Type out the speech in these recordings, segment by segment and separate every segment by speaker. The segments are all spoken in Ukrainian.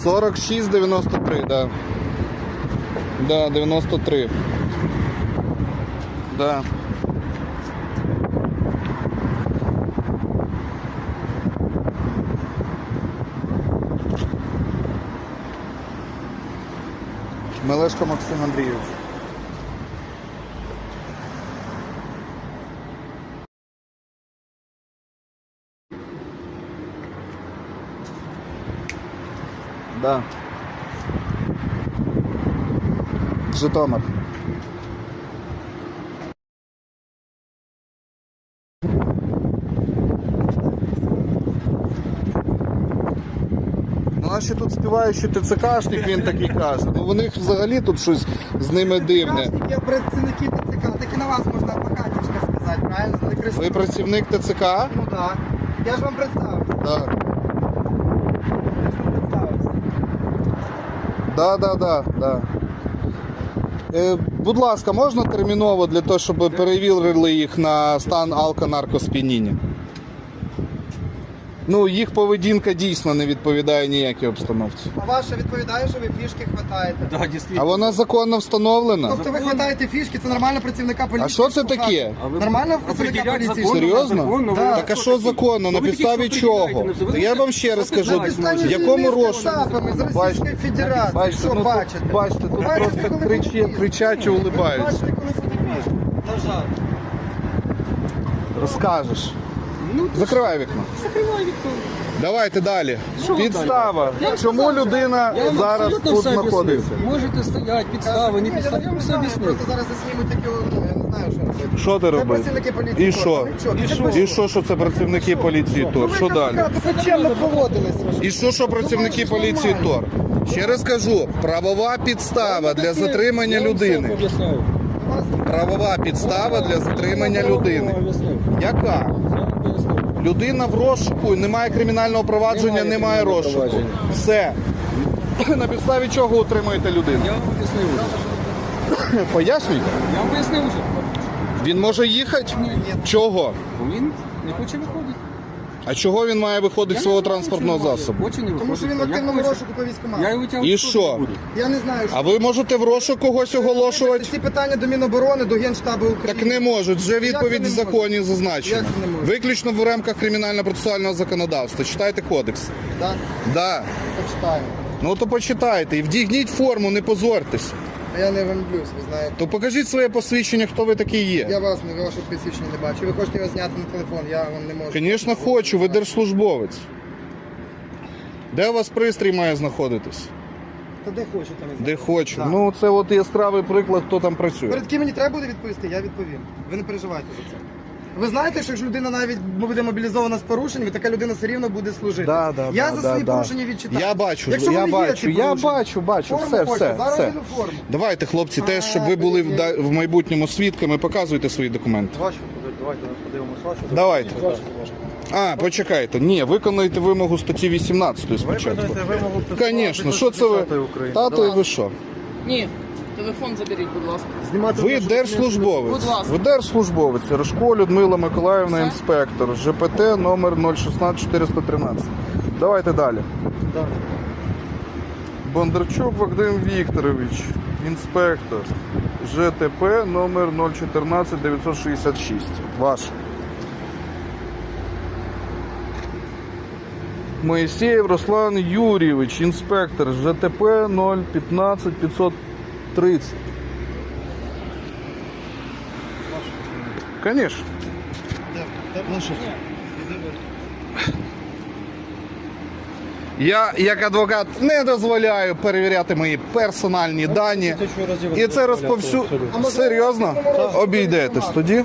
Speaker 1: 4693, да. Да, 93. Да. Мелешко Максим Андрійович. Да. Житомир. Ну, а ще тут співаючий ТЦКшник, він такий каже. Ну, у них взагалі тут щось з ними дивне.
Speaker 2: Є працівники ТЦК, так і на вас можна адвокатівська сказати, правильно?
Speaker 1: Ви працівник ТЦК?
Speaker 2: Ну так. Я ж вам представився.
Speaker 1: Так.
Speaker 2: Я ж вам представився.
Speaker 1: Да. Будь ласка, можна терміново для того, щоб перевірили їх на стан алко-наркосп'яніння? Ну, їх поведінка дійсно не відповідає ніякій обстановці.
Speaker 2: А ваша відповідає, що ви фішки хватаєте?
Speaker 3: Да, дійсно.
Speaker 1: А вона законно встановлена?
Speaker 2: Тобто ви хватаєте фішки, це нормально працівника поліції?
Speaker 1: А що це таке?
Speaker 2: Нормально працівника поліції?
Speaker 1: Серйозно?
Speaker 2: Да.
Speaker 1: Так а що законно? На підставі чого? Та я вам ще раз кажу, в якому розшуку?
Speaker 2: З Російської Федерації, що
Speaker 1: ну,
Speaker 2: бачите?
Speaker 1: бачите, тут
Speaker 2: Бачите,
Speaker 1: просто
Speaker 2: коли
Speaker 1: кричать і улибаються.
Speaker 2: Бачите, коли буде пізно? На жаль.
Speaker 1: Розкажеш.
Speaker 3: Ну,
Speaker 1: Закривай вікно.
Speaker 3: закривай вікно.
Speaker 1: Давайте далі.
Speaker 3: Що
Speaker 1: Підстава.
Speaker 3: далі? Я
Speaker 1: Чому
Speaker 3: сказав,
Speaker 1: людина
Speaker 3: Я вам
Speaker 1: зараз
Speaker 3: абсолютно
Speaker 1: тут
Speaker 3: все об'яснив.
Speaker 1: знаходиться?
Speaker 3: Можете стояти, підстави, не
Speaker 2: Ні,
Speaker 3: підстави. Я вам все
Speaker 2: знаю,
Speaker 3: об'яснив.
Speaker 2: Просто зараз заснімуть такі, ну, я не знаю, що робити.
Speaker 1: Що ти
Speaker 2: Це
Speaker 1: робиш?
Speaker 2: працівники поліції.
Speaker 1: І що? І що це працівники поліції ТОР? Що далі?
Speaker 2: Ви чемно поводились.
Speaker 1: І що працівники поліції ТОР? Ще раз кажу, правова підстава для затримання людини. Правова підстава для затримання людини. Яка? Людина в розшуку, немає кримінального провадження, немає розшуку. Все. На підставі чого утримуєте людину?
Speaker 3: Я вам об'яснив вже.
Speaker 1: Пояснюйте.
Speaker 3: Я вам пояснив вже.
Speaker 1: Він може їхати? Чого?
Speaker 3: Він не хоче виходити.
Speaker 1: А чого він має виходити з свого транспортного засобу?
Speaker 3: Хоче не
Speaker 2: Тому що він в
Speaker 3: виходить.
Speaker 2: активному
Speaker 3: Я
Speaker 2: розшуку по
Speaker 3: хочу.
Speaker 2: військкомату.
Speaker 3: Я його витягнути
Speaker 1: І
Speaker 3: теж
Speaker 1: що?
Speaker 3: не буду.
Speaker 2: Я не знаю, що.
Speaker 1: А ви можете в розшук когось оголошувати?
Speaker 2: Ці питання до Міноборони, до Генштабу України.
Speaker 1: Так не можуть, вже відповідь в
Speaker 2: це не
Speaker 1: законі
Speaker 2: можуть?
Speaker 1: зазначена.
Speaker 2: Як це не можуть?
Speaker 1: Виключно в рамках кримінально-процесуального законодавства. Читайте кодекс.
Speaker 2: Так,
Speaker 1: Да.
Speaker 2: почитаємо.
Speaker 1: Ну то почитайте і вдягніть форму, не позорьтесь.
Speaker 2: А я не вимблюсь, ви знаєте.
Speaker 1: То покажіть своє посвідчення, хто ви такий
Speaker 2: Я
Speaker 1: є.
Speaker 2: вас, вашого посвідчення не бачу. Ви хочете його зняти на телефон, я вам не можу.
Speaker 1: Звісно, хочу, ви держслужбовець. Де у вас пристрій має знаходитись?
Speaker 2: Та де хочу, там і
Speaker 1: Де хочу.
Speaker 2: Так.
Speaker 1: Ну це от яскравий приклад, хто там працює.
Speaker 2: Перед ким мені треба буде відповісти, я відповім. Ви не переживайте за це. Ви знаєте, що якщо людина навіть буде мобілізована з порушеннями, така людина все рівно буде служити. Я за свої порушення відчитаю.
Speaker 1: Я бачу,
Speaker 2: Якщо
Speaker 1: я
Speaker 2: вони є,
Speaker 1: бачу,
Speaker 2: ці
Speaker 1: я
Speaker 2: порушення.
Speaker 1: бачу,
Speaker 2: Форму
Speaker 1: все,
Speaker 2: хочу,
Speaker 1: все,
Speaker 2: зараз
Speaker 1: все.
Speaker 2: вийду форму.
Speaker 1: Давайте, хлопці, теж, щоб ви були в майбутньому свідками, показуйте свої документи.
Speaker 4: Давайте подивимось вашу.
Speaker 1: Давайте. А, почекайте. Ні, виконуйте вимогу статті 18 спочатку.
Speaker 4: вимогу
Speaker 1: Звісно, що це ви? Тато, і ви що?
Speaker 5: Ні, телефон заберіть, будь ласка.
Speaker 4: Знімати
Speaker 1: Ви
Speaker 5: Будь
Speaker 1: держслужбовець.
Speaker 5: ласка.
Speaker 1: Ви держслужбовець. Рожко Людмила Миколаївна,
Speaker 5: Все?
Speaker 1: інспектор. ЖПТ номер 016413. Давайте далі. Бондарчук Вадим Вікторович, інспектор. ЖТП номер 014966. Ваш. Моїсеєв Руслан Юрійович, інспектор. ЖТП 011530. Конечно. Я, як адвокат, не дозволяю перевіряти мої персональні дані. І це Серйозно? Обійдетесь тоді.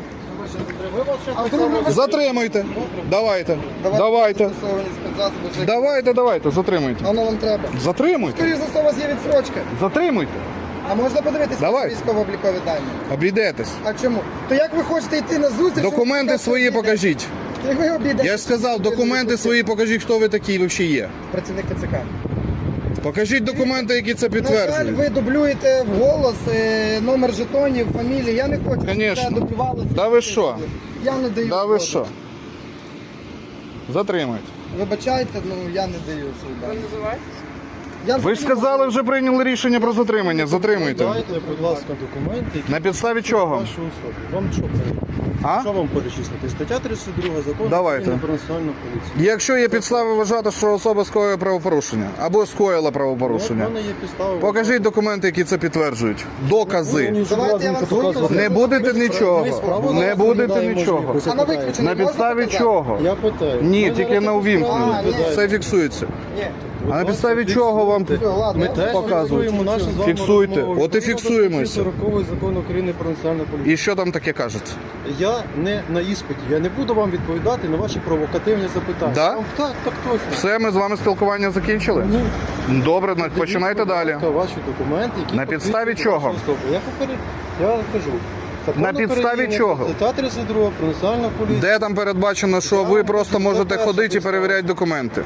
Speaker 1: Затримуйте. Давайте. Давайте. Давайте, затримуйте.
Speaker 2: Воно вам треба.
Speaker 1: Затримуйте.
Speaker 2: Скоріше за все, у вас є відсрочка.
Speaker 1: Затримуйте.
Speaker 2: А можна подивитися
Speaker 1: Давай.
Speaker 2: військово-облікові дані?
Speaker 1: Обійдетесь.
Speaker 2: А чому? То як ви хочете йти на зустріч?
Speaker 1: Документи
Speaker 2: щоб
Speaker 1: свої
Speaker 2: обійдете?
Speaker 1: покажіть.
Speaker 2: Як ви обійдете?
Speaker 1: Я ж сказав, документи свої покажіть, хто ви такий взагалі є.
Speaker 2: Працівник ТЦК.
Speaker 1: Покажіть документи, які це
Speaker 2: На жаль,
Speaker 1: підтверджують.
Speaker 2: ви дублюєте вголос номер жетонів, фамілії. Я не хочу, щоб
Speaker 1: Конечно.
Speaker 2: це дублювалося.
Speaker 1: Да ви що?
Speaker 2: Я не даю.
Speaker 1: Да ви
Speaker 2: згоди.
Speaker 1: що? Затримуйте.
Speaker 2: Вибачайте, ну я не даю свої
Speaker 5: Ви
Speaker 2: дані.
Speaker 5: називаєтесь?
Speaker 1: Ви ж сказали, вже прийняли рішення про затримання. Затримуйте.
Speaker 4: Дайте, будь ласка, документи, які
Speaker 1: На підставі чого?
Speaker 4: вашу особу. Вам що перевірити?
Speaker 1: А?
Speaker 4: Що вам перечислити? Стаття 32 закону
Speaker 1: Давайте.
Speaker 4: України про національну поліцію.
Speaker 1: Якщо є підстави вважати, що особа скоїла правопорушення або скоїла
Speaker 4: У
Speaker 1: правопорушення,
Speaker 4: мене є підстави.
Speaker 1: покажіть документи, які це підтверджують. Докази.
Speaker 2: Давайте я вам свої
Speaker 1: Не будете нічого. Не будете нічого.
Speaker 2: А на виключення
Speaker 1: На
Speaker 2: можна
Speaker 1: підставі
Speaker 2: показати?
Speaker 1: чого?
Speaker 4: Я питаю.
Speaker 1: Ні,
Speaker 4: Ми
Speaker 1: тільки
Speaker 4: зараз
Speaker 1: на
Speaker 4: таку
Speaker 1: увімкненні.
Speaker 4: справу
Speaker 2: ні.
Speaker 4: розглядаємо.
Speaker 1: Все фіксується.
Speaker 2: Ні.
Speaker 1: А на підставі чого вам
Speaker 2: Все, ладно.
Speaker 4: Ми
Speaker 2: я
Speaker 4: теж
Speaker 1: показують.
Speaker 4: фіксуємо нашу з вами
Speaker 1: Фіксуйте.
Speaker 4: розмову.
Speaker 1: От і
Speaker 4: Відповідно до
Speaker 1: фіксуємося.
Speaker 4: 40 закон України про національну поліцію.
Speaker 1: І що там таке кажеться?
Speaker 4: Я не на іспиті. Я не буду вам відповідати на ваші провокативні запитання.
Speaker 1: Да?
Speaker 4: Так точно.
Speaker 1: Все, ми з вами спілкування закінчили? Добре, починайте далі.
Speaker 4: Будь ласка, ваші документи, які
Speaker 1: На підставі
Speaker 4: посвідчують
Speaker 1: чого?
Speaker 4: вашу особу. Я кажу. Закон
Speaker 1: На підставі
Speaker 4: України,
Speaker 1: чого?
Speaker 4: Стаття 32 про національну поліцію.
Speaker 1: Де там передбачено, що ви просто можете ходити і перевіряти документи?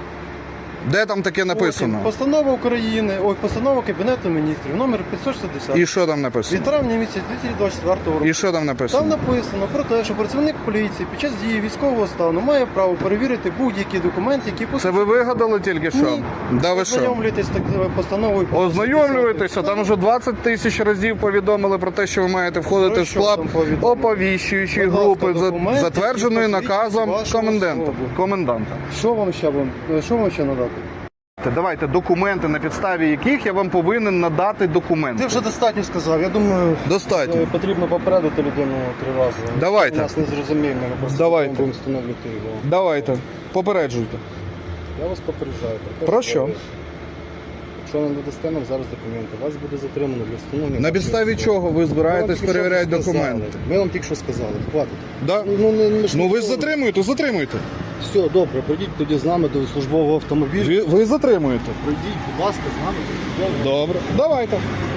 Speaker 1: Де там таке написано?
Speaker 4: Постанова України, постанова Кабінету міністрів, номер 560.
Speaker 1: І що там
Speaker 4: Від
Speaker 1: написано?
Speaker 4: травня місяця 2024 року.
Speaker 1: І що там
Speaker 4: Там
Speaker 1: написано?
Speaker 4: написано про те, що працівник поліції під час дії військового стану має право перевірити будь-які документи, які
Speaker 1: Це ви вигадали тільки що?
Speaker 4: Ні.
Speaker 1: Да ви що?
Speaker 4: Ознайомлюєтесь з такою постановою.
Speaker 1: Ознайомлюєтеся, там вже 20 тисяч разів повідомили про те, що ви маєте входити
Speaker 4: Про
Speaker 1: в
Speaker 4: що
Speaker 1: склад
Speaker 4: там повідомили?
Speaker 1: оповіщуючої
Speaker 4: Будь ласка,
Speaker 1: групи,
Speaker 4: документи,
Speaker 1: затвердженої
Speaker 4: які посвідчують
Speaker 1: наказом
Speaker 4: вашу
Speaker 1: коменданта.
Speaker 4: особу. Що вам ще надати?
Speaker 1: Давайте документи, на підставі яких я вам повинен надати документи.
Speaker 4: Ти вже достатньо сказав. Я думаю,
Speaker 1: Достатньо.
Speaker 4: потрібно попередити людину 3 рази.
Speaker 1: Давайте.
Speaker 4: Нас не зрозуміє, ми просто
Speaker 1: Давайте.
Speaker 4: будемо встановлювати його.
Speaker 1: Давайте, попереджуйте.
Speaker 4: Я вас попереджаю.
Speaker 1: Про що?
Speaker 4: Якщо не надасте нам зараз документи, вас буде затримано для встановлення.
Speaker 1: На підставі чого ви збираєтесь перевіряти документи?
Speaker 4: Ми вам тільки що сказали. Хватить.
Speaker 1: Да? Ну ви ж затримуєте, затримуйте.
Speaker 4: Все, добре, пройдіть тоді з нами до службового автомобіля.
Speaker 1: Ви затримуєте.
Speaker 4: Пройдіть, будь ласка, з нами до службового.
Speaker 1: Добре. Давайте.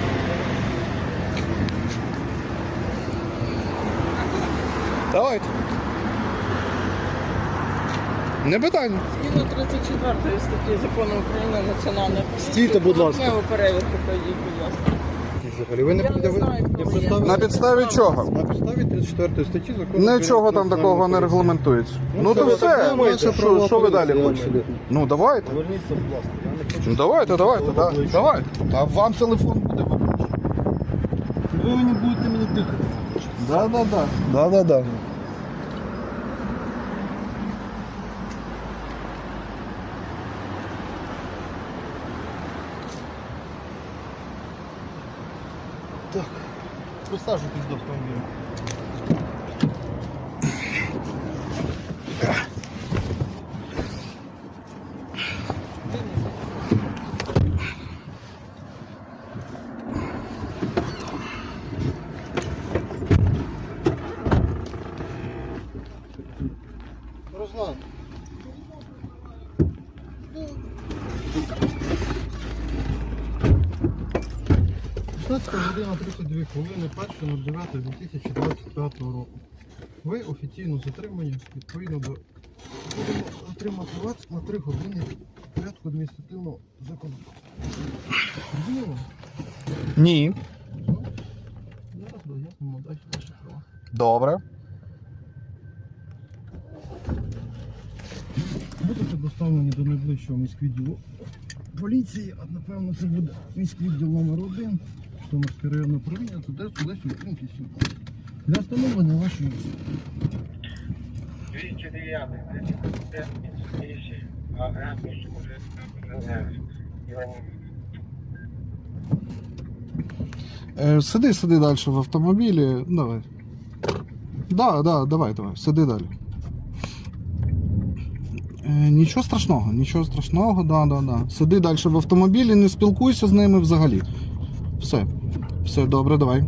Speaker 1: Давайте. Не питання.
Speaker 5: Згідно 34 статті закону України національна поліція.
Speaker 4: Стійте, будь ласка.
Speaker 5: Поверхневу перевірку пройдіть, будь ласка.
Speaker 4: Взагалі, ви не
Speaker 5: Я не знаю, хто ви є.
Speaker 1: На підставі чого?
Speaker 4: На підставі 34 статті закону.
Speaker 1: Нічого там такого не регламентується. Ну то все. Що ви далі хочете? Ну давайте.
Speaker 4: Поверніться, будь ласка. Я не хочу.
Speaker 1: Ну давайте, да. Давайте. А вам телефон буде виключений.
Speaker 4: Ви не будете мені дихати.
Speaker 1: Да.
Speaker 4: Присаджуйтесь до автомобіля. Руслан. 16:32 хвилини 1.09.2025 року. Ви офіційно затримані відповідно до будемо отримати вас на 3 години порядку адміністративного законодавства. Розуміло?
Speaker 1: Ні.
Speaker 4: Зараз дояснимо далі ваші права.
Speaker 1: Добре.
Speaker 4: Будете доставлені до найближчого міськвідділу поліції, а напевно це буде міськвідділ номер 1, Житомирське районне управління, туди Лесі Українки 17. Для встановлення вашої особи.
Speaker 6: 209
Speaker 1: Сиди далі в автомобілі. Давай. Давай. Сиди далі. Нічого страшного, да. Сиди далі в автомобілі, не спілкуйся з ними взагалі. Все, добре, давай.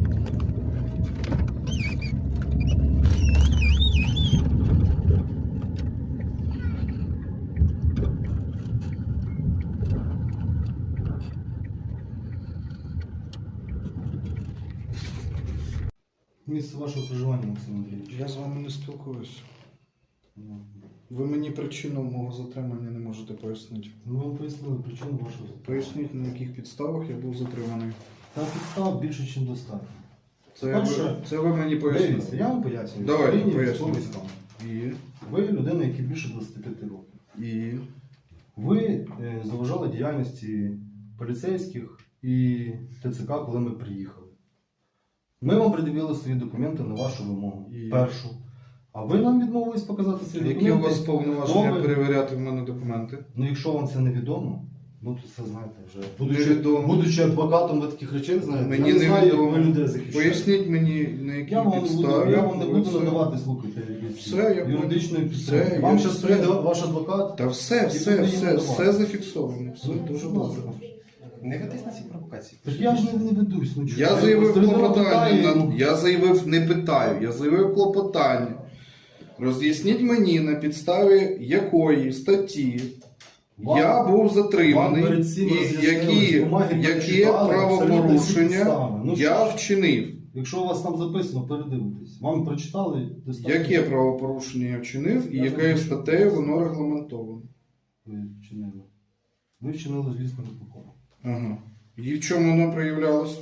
Speaker 4: Місце вашого проживання, Максим Андрійович.
Speaker 1: Я з вами не спілкуюся. Ви мені причину мого затримання не можете пояснити.
Speaker 4: Ми вам пояснили причину вашого затримання.
Speaker 1: Поясніть, на яких підставах я був затриманий.
Speaker 4: Там підстав більше, ніж достатньо.
Speaker 1: Це ви мені пояснили.
Speaker 4: Дивіться, я вам пояснюю.
Speaker 1: Давайте,
Speaker 4: В Україні
Speaker 1: пояснюйте.
Speaker 4: військовий стан.
Speaker 1: І?
Speaker 4: Ви людина, яка більше 25 років.
Speaker 1: І?
Speaker 4: Ви
Speaker 6: заважали діяльності поліцейських і ТЦК, коли ми приїхали. Ми вам пред'явили свої документи на вашу вимогу. Першу. А ви нам відмовились показати свої
Speaker 1: Які
Speaker 6: документи.
Speaker 1: у вас повноваження
Speaker 6: Добре.
Speaker 1: перевіряти в мене документи?
Speaker 6: Ну, якщо вам це невідомо, ну то це знаєте вже.
Speaker 1: Невідомо.
Speaker 6: Будучи адвокатом, ви таких речей знаєте.
Speaker 1: Мені
Speaker 6: я не знаю, як
Speaker 1: невідомо.
Speaker 6: ви людей захищаєте.
Speaker 1: Поясніть мені, на якій
Speaker 6: Я вам
Speaker 1: підставі.
Speaker 6: я вам не
Speaker 1: ви
Speaker 6: буду
Speaker 1: це-
Speaker 6: надавати, слухайте, якісь
Speaker 1: Все, я
Speaker 6: юридичної
Speaker 1: понял.
Speaker 6: підтримки.
Speaker 1: Все,
Speaker 6: Вам
Speaker 1: я
Speaker 6: зараз
Speaker 1: все.
Speaker 6: прийде ваш адвокат.
Speaker 1: Та все
Speaker 6: надавати.
Speaker 1: зафіксовано. Все
Speaker 6: Ну,
Speaker 1: дуже
Speaker 6: будь ласка.
Speaker 1: добре.
Speaker 7: Не ведись на ці провокації.
Speaker 6: Так я ж не ведусь. Ну,
Speaker 1: Я
Speaker 6: чого?
Speaker 1: заявив
Speaker 6: Людина
Speaker 1: клопотання,
Speaker 6: питає,
Speaker 1: я заявив, не питаю, я заявив клопотання. Роз'ясніть мені, на підставі якої статті
Speaker 6: Вам-
Speaker 1: я був
Speaker 6: вам
Speaker 1: затриманий
Speaker 6: перед цим
Speaker 1: і
Speaker 6: роз'яснили, бумаги
Speaker 1: які
Speaker 6: прочитали, абсолютно всі
Speaker 1: правопорушення
Speaker 6: підстави. Ну,
Speaker 1: я
Speaker 6: що ж,
Speaker 1: вчинив.
Speaker 6: Якщо у вас там записано, передивитесь. Вам прочитали достатньо.
Speaker 1: Яке правопорушення я вчинив і
Speaker 6: Я
Speaker 1: якою
Speaker 6: ж-
Speaker 1: статтею воно регламентовано?
Speaker 6: Ви вчинили? Ви вчинили, звісно, непокору.
Speaker 1: Ага. І в чому воно проявлялося?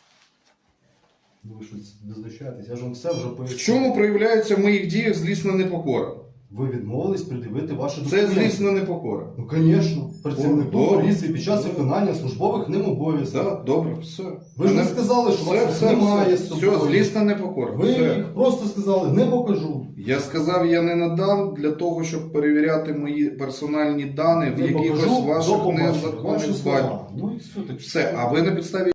Speaker 6: Ви щось визначаєтесь, я ж вам все вже пояснив.
Speaker 1: В чому проявляється в моїх діях злісна непокора?
Speaker 6: Ви відмовились пред'явити ваші
Speaker 1: Це
Speaker 6: документи.
Speaker 1: злісна непокора.
Speaker 6: Ну, звісно. Працівнику
Speaker 1: Добре.
Speaker 6: поліції під час виконання службових ним обов'язків.
Speaker 1: Так, добре, все.
Speaker 6: Ви ж не
Speaker 1: Мене-
Speaker 6: сказали, що вас немає з собою.
Speaker 1: Все, злісна непокора.
Speaker 6: Ви
Speaker 1: Все.
Speaker 6: їх просто сказали, не покажу.
Speaker 1: Я сказав, я не надам для того, щоб перевіряти мої персональні дані в
Speaker 6: Не
Speaker 1: якихось
Speaker 6: покажу,
Speaker 1: ваших
Speaker 6: до побачення.
Speaker 1: незаконних
Speaker 6: Ваші
Speaker 1: базах.
Speaker 6: слова. Ну і все. Так
Speaker 1: Все, а ви на підставі